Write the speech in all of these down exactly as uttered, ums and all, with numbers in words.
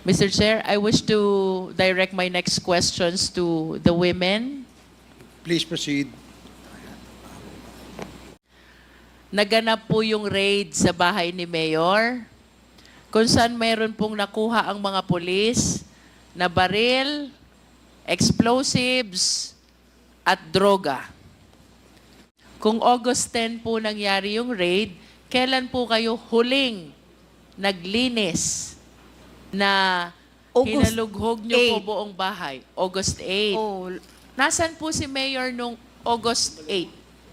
Mister Chair, I wish to direct my next questions to the women. Please proceed. Naganap po yung raid sa bahay ni Mayor, kung saan mayroon pong nakuha ang mga pulis na baril, explosives, at droga. Kung August tenth po nangyari yung raid, kailan po kayo huling naglinis na August hinalughog nyo po eighth. buong bahay? August eighth. Oh, Nasaan po si Mayor nung August eighth?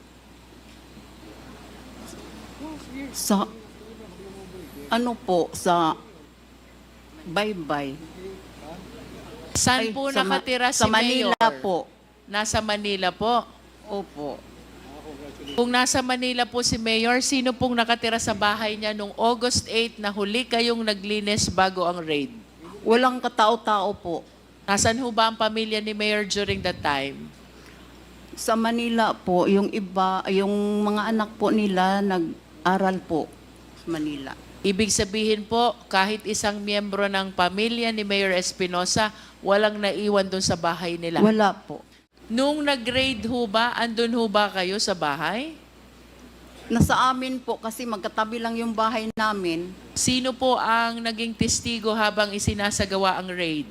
sa ano po sa bye-bye. Saan Ay, po sa Ma- nakatira si sa Manila Mayor? po. Nasa Manila po. Opo. Kung nasa Manila po si Mayor, sino pong nakatira sa bahay niya nung August eighth na huli kayong naglinis bago ang raid? Walang katao-tao po. Nasaan ho ba ang pamilya ni Mayor during that time? Sa Manila po, yung iba, yung mga anak po nila nag-aral po sa Manila. Ibig sabihin po, kahit isang miyembro ng pamilya ni Mayor Espinosa, walang naiwan doon sa bahay nila. Wala po. Nung nag-raid ho ba, andun ho ba kayo sa bahay? Nasa amin po kasi magkatabi lang yung bahay namin. Sino po ang naging testigo habang isinasagawa ang raid?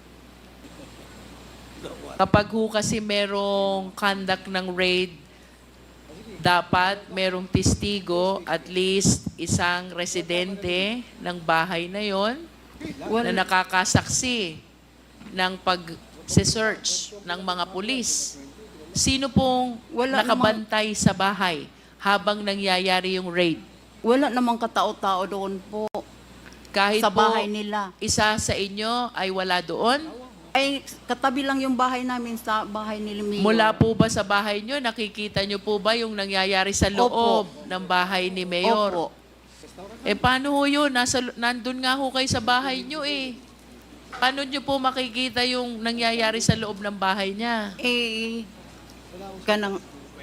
Kapag ho kasi merong conduct ng raid, dapat merong testigo, at least isang residente ng bahay na yon Wala. na nakakasaksi ng pag-search ng mga pulis. Sino pong Wala nakabantay sa bahay habang nangyayari yung raid? Wala namang katao-tao doon po Kahit sa po bahay nila. isa sa inyo ay wala doon? Ay, katabi lang yung bahay namin sa bahay ni Mayor. Mula po ba sa bahay nyo, nakikita nyo po ba yung nangyayari sa loob ng bahay ni Mayor? Opo. Eh paano ho yun? Nasa, nandun nga ho kayo sa bahay nyo eh. Paano nyo po makikita yung nangyayari sa loob ng bahay niya? Eh, kanang,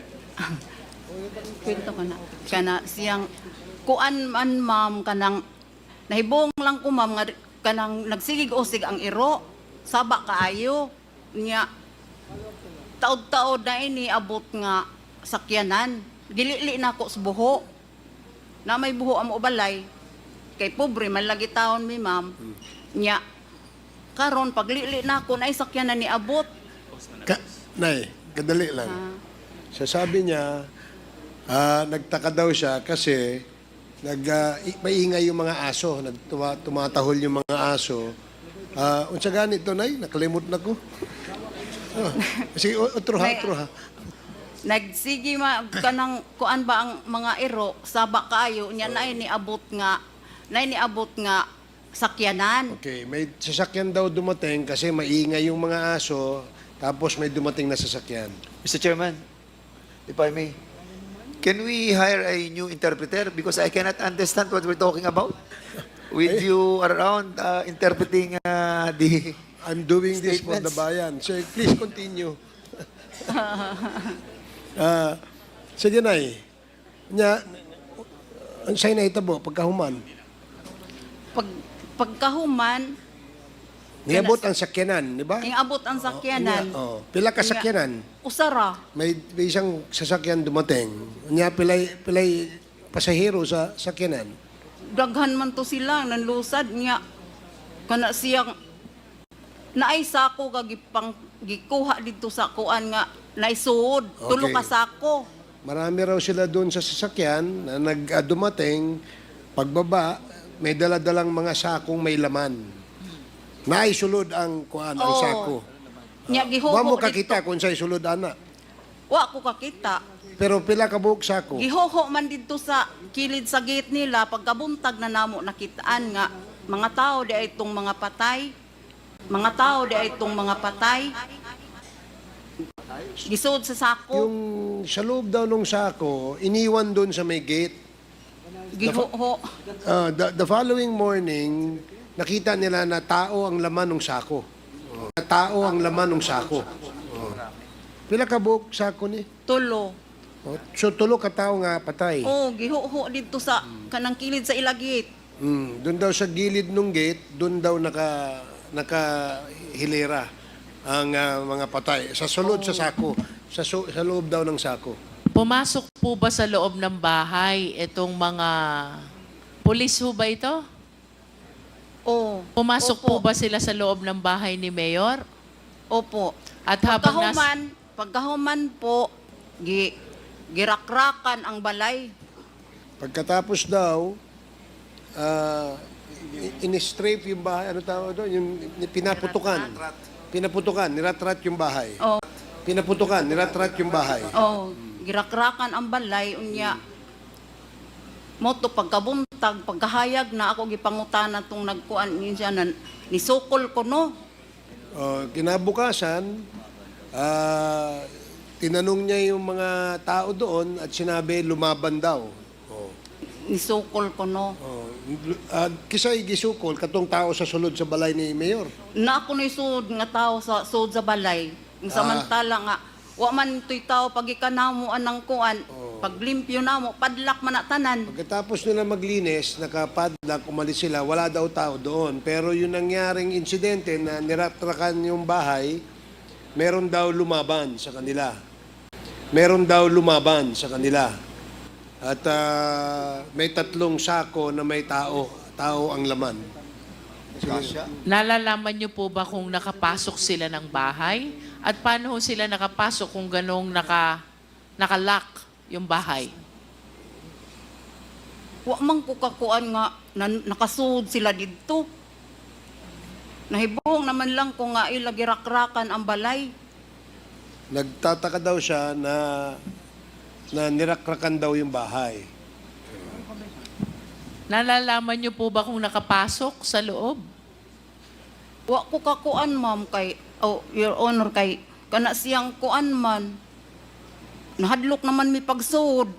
kwento ka na, kana siyang, kuan man ma'am, kanang, nahibong lang ko ma'am, nga, kanang nagsigig-usig ang iro, saba kaayo, niya, taod-taod na ini, abot nga, sakyanan, gilili na ako sa buho, na may buho ang ubalay, kay pobre, malagi taon mi ma'am, niya, karon paglili na ako, na sakyanan ni abot, Ka Nay, kadali lang. ah, Sasabi niya, ah, nagtaka daw siya kasi nag, ah, i- maingay yung mga aso, nagtuma, tumatahol yung mga aso. Ah, unsa ganito, Nay? Nakalimot na ko. Oh, sige, o- otro ha, Nay- otro ha. Nagsigi ma kanang kuan ba ang mga iro saba kaayo nya na ni abot nga na ni abot nga sakyanan. Okay, may sasakyan daw dumating kasi maingay yung mga aso, tapos may dumating na sasakyan. Mister Chairman, if I may, can we hire a new interpreter? Because I cannot understand what we're talking about. With you around uh, interpreting uh, the... I'm doing this for the Statements. bayan. So, please continue. Ah, sige, Nay. Nya, ang sa'yo na itabo, pagkahuman. Pag pagkahuman Niabot ang sakyanan, di ba? ing abot ang sakyanan. Oh, pila ka sakyanan? Usara. May, may isang sasakyan dumating. Nya, pilay, pilay pasahero sa sakyanan. Daghan man to sila nanlusad nya kana siyang naay sako kagipang gikuha dito sa kuan nga naisuod tulo Okay. ka sako. Marami raw sila doon sa sasakyan na nag-dumating, pagbaba, may daladalang mga sakong may laman. Naisulod ang kuan ang Oo. sako. Nya gihuho Wa mo dito. kakita kung sa'y sulod ana. Wa ko kakita. Pero pila ka buok sako. Gihoho man dito sa kilid sa gate nila pagkabuntag na namo nakitaan nga mga tao di ay itong mga patay. Mga tao di ay itong mga patay. Gisud sa sako. Yung sa loob daw ng sako, iniwan doon sa may gate. Gihoho. Ah, the, the following morning, nakita nila na tao ang laman ng sako. Oh. Na tao ang laman ng sako. Oh. Pila ka buok sako ni? Tulo. Oh, so tulo ka tao nga patay. Oh, gihoho dito sa kanang kilid sa ilagit. Mm, doon daw sa gilid ng gate, doon daw naka nakahilera ang ah, mga patay. Sa sulod sa sako, sa, su- sa loob daw ng sako. Pumasok po ba sa loob ng bahay itong mga pulis ho ba ito? Oo. Pumasok po Opo. ba sila sa loob ng bahay ni Mayor? Opo. At habang nas... Pagkahuman, pagkahuman po, gi, girakrakan ang balay. Pagkatapos daw, ah, i- in-strafe yung bahay, ano tawag doon? Yung pinaputukan. Pinaputukan, niratrat yung bahay. Oh, Pinaputukan, niratrat yung bahay. oh, girakrakan ang balay unya. Moto pagkabuntag, pagkahayag na ako gipangutanan tong nagkuan niya na nisukol ko no. Oh, kinabukasan, ah, tinanong niya yung mga tao doon at sinabi lumaban daw. Oh. Nisukol ko no. Oh, uh, kisay gisukol katong tao sa sulod sa balay ni Mayor. Na ako ni sud nga tao sa sud sa balay. Ang samantala nga wa man tuy tao pag ikanamo anang kuan, pag limpyo namo padlak man na tanan. Pagkatapos nila maglinis, nakapadlock, umalis sila, wala daw tao doon. Pero yung nangyaring insidente na niratrakan yung bahay, meron daw lumaban sa kanila. Meron daw lumaban sa kanila. At ah, may tatlong sako na may tao. Tao ang laman. Nalalaman niyo po ba kung nakapasok sila ng bahay? At paano ho sila nakapasok kung ganong naka, nakalock yung bahay? Wa man ko kakuan nga na, nakasud sila didto. Nahibong naman lang ko nga ila girakrakan ang balay. Nagtataka daw siya na na nirakrakan daw yung bahay. Nalalaman niyo po ba kung nakapasok sa loob? Wa ko kakuan ma'am kay oh your honor kay kana siyang kuan man. Nahadlok naman mi pagsud.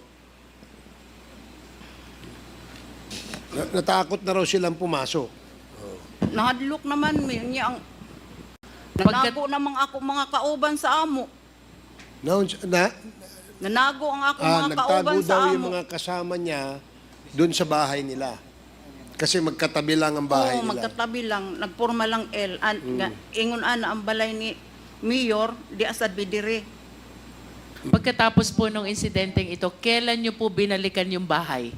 Na- Natakot na raw silang pumasok. Nahadlok naman mi niya ang Pagkat- nanago namang ako mga kauban sa amo. Na, na, Nanago ang ako ah, mga nagtago kauban sa daw amo. yung mga kasama niya doon sa bahay nila. Kasi magkatabi lang ang bahay Oo, nila. magkatabi lang, nagporma lang L. An, nga, ingon ana ang balay ni Mayor, di asad bidire. Pagkatapos po ng insidenteng ito, kailan niyo po binalikan yung bahay?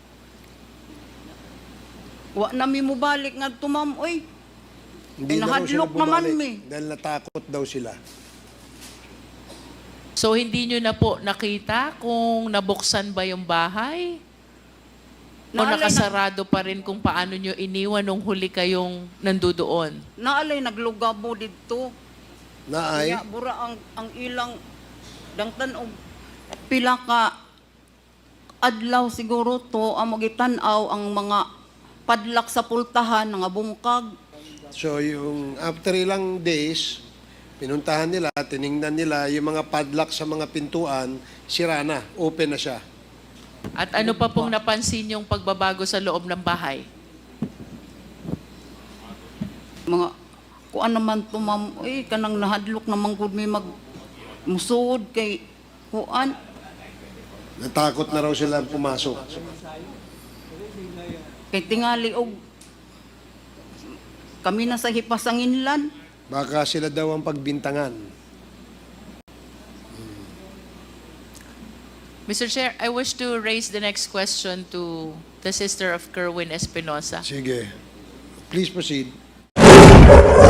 Wa na mi mo balik nga tumam, oy. Hindi na raw sila Nahadlok naman bumalik mi. dahil natakot daw sila. So hindi niyo na po nakita kung nabuksan ba yung bahay? O Naalay na- nakasarado pa rin kung paano niyo iniwan nung huli kayong nandudoon? Naalay naglugabo didto. Na ay, Kaya bura ang ang ilang dangtan og pila ka adlaw siguro to ang magitanaw ang mga padlak sa pultahan nga bungkag. so yung after ilang days, pinuntahan nila, tiningnan nila yung mga padlock sa mga pintuan, sira na, open na siya. At ano pa pong napansin yung pagbabago sa loob ng bahay? Mga kuan naman to ma'am, eh kanang nahadlok naman gud may mag musud kay kuan. Natakot na raw sila pumasok. Kay tingali og kami na sa hipasanginlan. Baka sila daw ang pagbintangan. Mister Chair, I wish to raise the next question to the sister of Kerwin Espinosa. Sige. Please proceed.